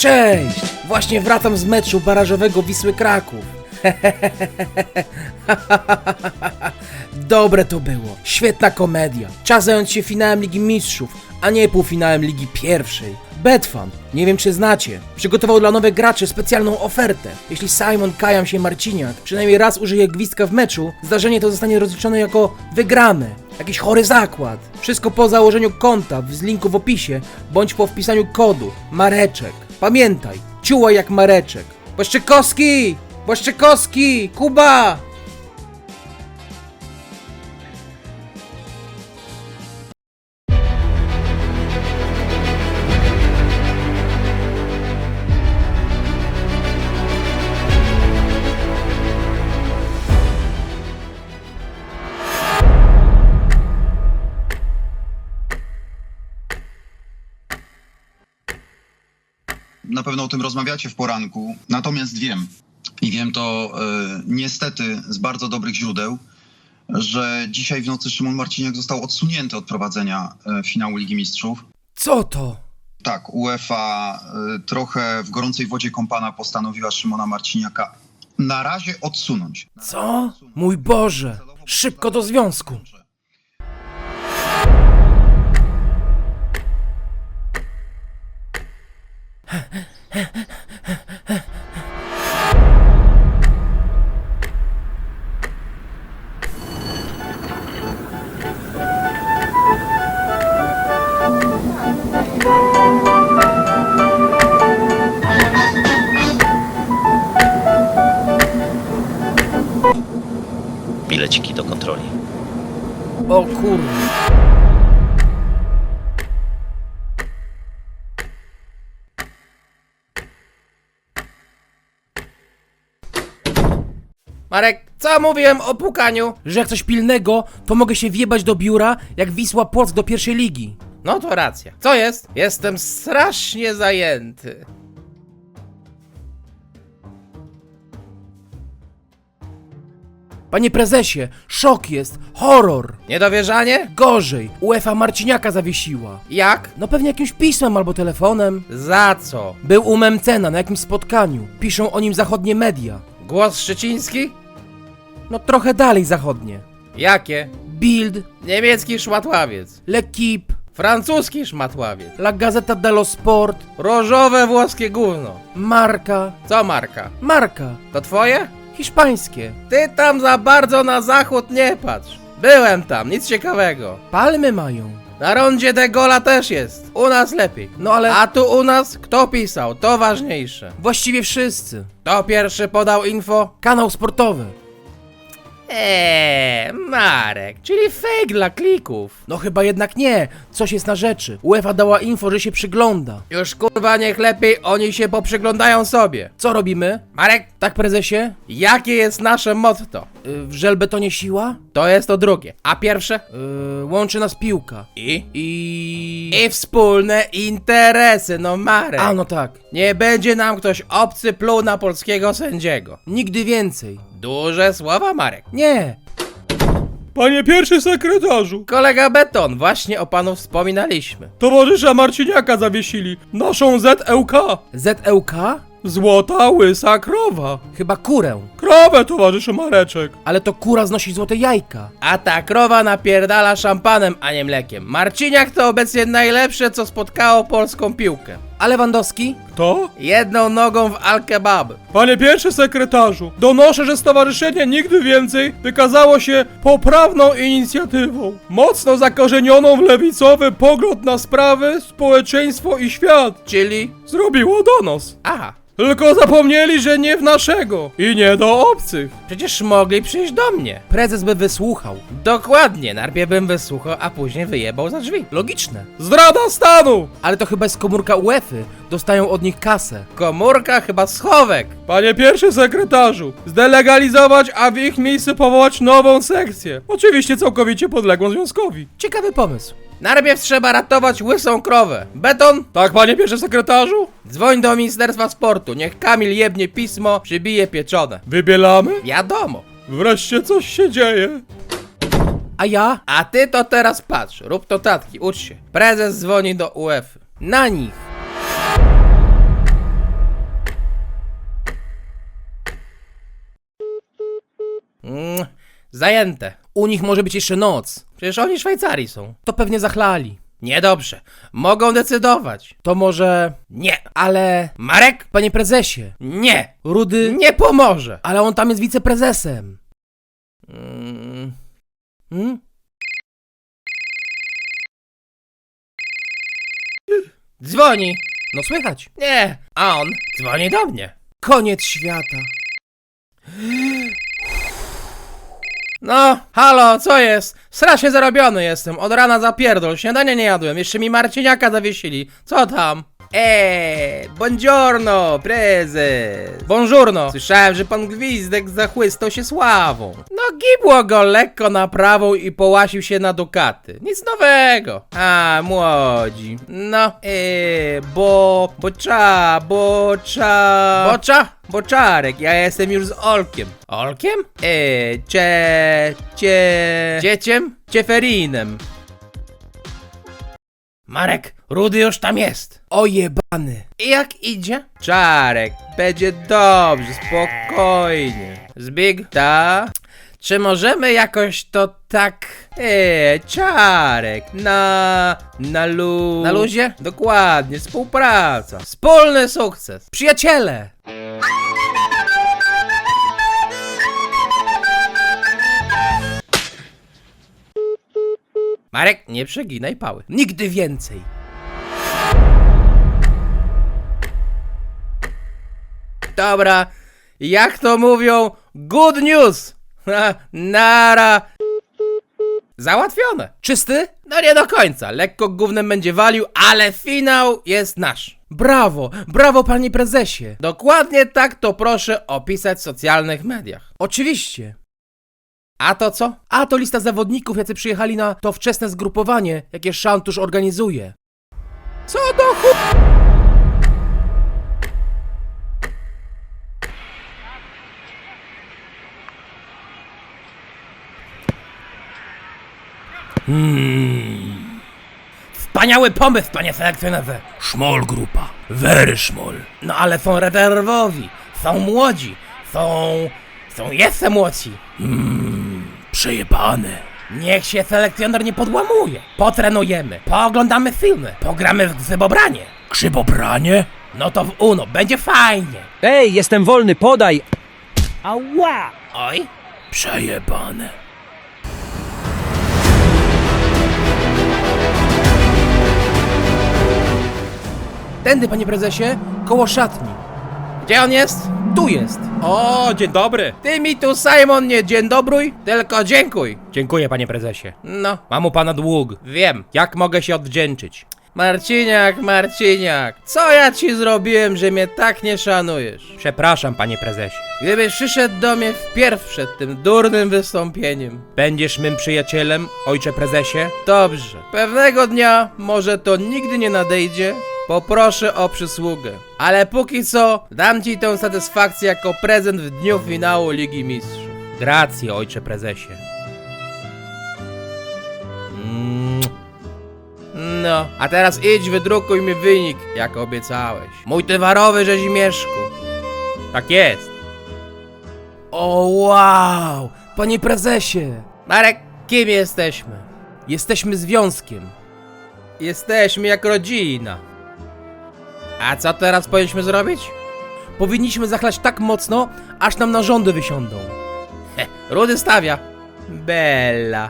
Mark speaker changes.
Speaker 1: Cześć! Właśnie wracam z meczu barażowego Wisły Kraków. Dobre to było. Świetna komedia. Czas zająć się finałem Ligi Mistrzów, a nie półfinałem Ligi Pierwszej. Betfan, nie wiem czy znacie, przygotował dla nowych graczy specjalną ofertę. Jeśli Simon Kajam się Marciniak przynajmniej raz użyje gwizdka w meczu, zdarzenie to zostanie rozliczone jako wygrane. Jakiś chory zakład. Wszystko po założeniu konta z linku w opisie, bądź po wpisaniu kodu Mareczek. Pamiętaj, ciułaj jak Mareczek. Błaszczykowski! Błaszczykowski! Kuba!
Speaker 2: Na pewno o tym rozmawiacie w poranku, natomiast wiem, i wiem to niestety z bardzo dobrych źródeł, że dzisiaj w nocy Szymon Marciniak został odsunięty od prowadzenia finału Ligi Mistrzów.
Speaker 1: Co to?
Speaker 2: Tak, UEFA trochę w gorącej wodzie kąpana postanowiła Szymona Marciniaka na razie odsunąć.
Speaker 1: Co? Mój Boże! Szybko do związku!
Speaker 3: Bileciki do kontroli.
Speaker 1: O kurde. Marek, co mówiłem o pukaniu? Że jak coś pilnego, to mogę się wjebać do biura, jak Wisła Płock do pierwszej ligi. No to racja. Co jest? Jestem strasznie zajęty. Panie prezesie, szok jest, horror. Niedowierzanie? Gorzej, UEFA Marciniaka zawiesiła. Jak? No pewnie jakimś pismem albo telefonem. Za co? Był u Memcena na jakimś spotkaniu. Piszą o nim zachodnie media. Głos Szczeciński? No trochę dalej zachodnie. Jakie? Bild, niemiecki szmatławiec. L'Equipe, francuski szmatławiec. La Gazzetta dello Sport, różowe włoskie gówno. Marka. Co Marka? Marka. To twoje? Hiszpańskie. Ty tam za bardzo na zachód nie patrz. Byłem tam, nic ciekawego. Palmy mają. Na rondzie de Gola też jest. U nas lepiej. No ale... A tu u nas kto pisał? To ważniejsze. Właściwie wszyscy. Kto pierwszy podał info? Kanał sportowy. Marek, czyli fake dla klików. No chyba jednak nie, coś jest na rzeczy. UEFA dała info, że się przygląda. Już kurwa niech lepiej oni się poprzyglądają sobie. Co robimy? Marek? Tak prezesie? Jakie jest nasze motto? W żelbetonie siła? To jest to drugie. A pierwsze? Łączy nas piłka. I wspólne interesy, no Marek. A no tak. Nie będzie nam ktoś obcy pluł na polskiego sędziego. Nigdy więcej. Duże słowa, Marek. Nie.
Speaker 4: Panie pierwszy sekretarzu,
Speaker 1: Kolega Beton, właśnie o panu wspominaliśmy.
Speaker 4: towarzysza Marciniaka zawiesili, naszą ZEłK.
Speaker 1: ZEłK?
Speaker 4: Złota łysa krowa.
Speaker 1: Chyba kurę.
Speaker 4: Krowę, towarzyszu Mareczek.
Speaker 1: Ale to kura znosi złote jajka.
Speaker 5: A ta krowa napierdala szampanem, a nie mlekiem. Marciniak to obecnie najlepsze, co spotkało polską piłkę.
Speaker 1: A Lewandowski?
Speaker 4: Kto?
Speaker 5: Jedną nogą w al-kebab.
Speaker 4: Panie pierwszy sekretarzu, donoszę, że stowarzyszenie Nigdy Więcej wykazało się poprawną inicjatywą. Mocno zakorzenioną w lewicowy pogląd na sprawy, społeczeństwo i świat.
Speaker 5: Czyli...
Speaker 4: Zrobiło donos.
Speaker 5: Aha.
Speaker 4: Tylko zapomnieli, że nie w naszego i nie do obcych.
Speaker 5: Przecież mogli przyjść do mnie.
Speaker 1: Prezes by wysłuchał.
Speaker 5: Dokładnie, najpierw bym wysłuchał, a później wyjebał za drzwi.
Speaker 1: Logiczne.
Speaker 4: Zdrada stanu!
Speaker 1: Ale to chyba jest komórka UEFA. Dostają od nich kasę.
Speaker 5: Komórka chyba schowek.
Speaker 4: Panie pierwszy sekretarzu, zdelegalizować, a w ich miejsce powołać nową sekcję. Oczywiście całkowicie podległą związkowi.
Speaker 1: Ciekawy pomysł.
Speaker 5: Najpierw trzeba ratować łysą krowę. Beton?
Speaker 4: Tak, panie pierwszy sekretarzu?
Speaker 5: Dzwoń do Ministerstwa Sportu, niech Kamil jebnie pismo, przybije pieczone.
Speaker 4: Wybielamy?
Speaker 5: Wiadomo.
Speaker 4: Wreszcie coś się dzieje.
Speaker 1: A ja?
Speaker 5: A ty to teraz patrz, rób notatki, ucz się. Prezes dzwoni do UEFA.
Speaker 1: Na nich.
Speaker 5: Zajęte.
Speaker 1: U nich może być jeszcze noc.
Speaker 5: Przecież oni w Szwajcarii są.
Speaker 1: To pewnie zachlali.
Speaker 5: Niedobrze. Mogą decydować.
Speaker 1: To może...
Speaker 5: Nie.
Speaker 1: Ale...
Speaker 5: Marek?
Speaker 1: Panie prezesie,
Speaker 5: Nie.
Speaker 1: Rudy...
Speaker 5: Nie pomoże.
Speaker 1: Ale on tam jest wiceprezesem. Hmm?
Speaker 5: Dzwoni.
Speaker 1: No słychać.
Speaker 5: Nie. A on dzwoni do mnie.
Speaker 1: Koniec świata.
Speaker 5: No, halo, co jest? Strasznie zarobiony jestem. Od rana zapierdol. Śniadania nie jadłem. Jeszcze mi Marciniaka zawiesili. Co tam? Buongiorno, prezes. Buongiorno. Słyszałem, że pan Gwizdek zachłystał się sławą. No, gibło go lekko na prawą i połasił się na dukaty. Nic nowego. A, młodzi. No, Boczarek, ja jestem już z Olkiem. Olkiem? Dzieciem? Cieferinem. Marek, Rudy już tam jest.
Speaker 1: O jebany.
Speaker 5: I jak idzie? Czarek, będzie dobrze, spokojnie. Zbig, ta? Czy możemy jakoś to tak... Czarek, na luzie? Dokładnie, współpraca. Wspólny sukces.
Speaker 1: Przyjaciele.
Speaker 5: Marek, nie przeginaj pały.
Speaker 1: Nigdy więcej.
Speaker 5: Dobra, jak to mówią, good news. Nara. Załatwione.
Speaker 1: Czysty?
Speaker 5: No nie do końca, lekko gównem będzie walił, ale finał jest nasz.
Speaker 1: Brawo, brawo panie prezesie.
Speaker 5: Dokładnie tak to proszę opisać w socjalnych mediach.
Speaker 1: Oczywiście.
Speaker 5: A to co?
Speaker 1: A to lista zawodników, jacy przyjechali na to wczesne zgrupowanie, jakie Szantusz organizuje.
Speaker 5: Co do chu... Wspaniały pomysł, panie selekcjonerze.
Speaker 1: Szmol grupa. Very szmol.
Speaker 5: No ale są rezerwowi, są młodzi, są jeszcze młodsi.
Speaker 1: Przejebane.
Speaker 5: Niech się selekcjoner nie podłamuje. Potrenujemy, pooglądamy filmy, pogramy w grzybobranie.
Speaker 1: Grzybobranie?
Speaker 5: No to w UNO, będzie fajnie.
Speaker 3: Ej, jestem wolny, podaj! Ała!
Speaker 5: Oj,
Speaker 1: Przejebane. Tędy, panie prezesie, koło szatni.
Speaker 5: gdzie on jest?
Speaker 1: Tu jest.
Speaker 4: O, dzień dobry.
Speaker 5: Ty mi tu, Simon, nie dzień dobrój, tylko dziękuj.
Speaker 4: Dziękuję, panie prezesie.
Speaker 5: No,
Speaker 4: Mam u pana dług.
Speaker 5: wiem.
Speaker 4: Jak mogę się odwdzięczyć?
Speaker 5: Marciniak, co ja ci zrobiłem, że mnie tak nie szanujesz?
Speaker 4: Przepraszam, panie prezesie.
Speaker 5: Gdybyś przyszedł do mnie wpierw przed tym durnym wystąpieniem.
Speaker 4: Będziesz mym przyjacielem, ojcze prezesie?
Speaker 5: Dobrze, pewnego dnia, może to nigdy nie nadejdzie, poproszę o przysługę. Ale póki co, dam ci tę satysfakcję jako prezent w dniu finału Ligi Mistrzów.
Speaker 4: Grację, ojcze prezesie.
Speaker 5: No, a teraz idź, wydrukuj mi wynik, jak obiecałeś. Mój towarowy Rzezimieszku.
Speaker 4: Tak jest.
Speaker 1: O wow, panie prezesie.
Speaker 5: Marek, kim jesteśmy?
Speaker 1: Jesteśmy związkiem.
Speaker 5: Jesteśmy jak rodzina. A co teraz powinniśmy zrobić?
Speaker 1: Powinniśmy zachlać tak mocno, aż nam narządy wysiądą.
Speaker 5: Rudy stawia. Bella.